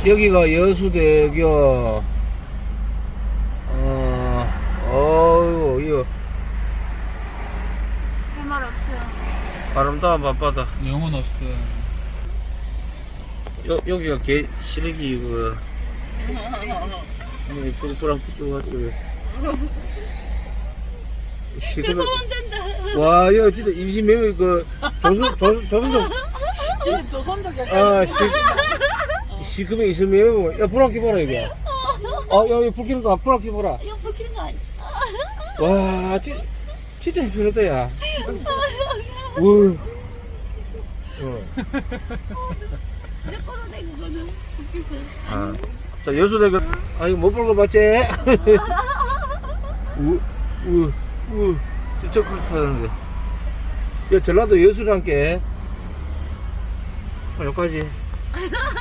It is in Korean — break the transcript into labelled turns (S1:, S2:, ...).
S1: 여기가 여수대교. 어우, 이거
S2: 할 말 없어요.
S1: 아름다운 밤바다.
S3: 영혼 없어.
S1: 여기가 개 시래기 그 뿔뿔한 푸쭈가지고 와 이거 진짜 임신 매우 그 조선족
S4: 진짜 조선족이야.
S1: 아 시금에 있으면 매우 야 불안 켜봐라 이거 야 불 켜는 거 불안 켜봐라
S2: 이거 불키는 거 아니야?
S1: 와 진짜 해피했다 야 우
S2: 내 거는 내 그거는 불키서.
S1: 자 여수대교 이거 못 볼 거 맞지? 진짜 그렇게 사는데 야 전라도 여수란 게 여기까지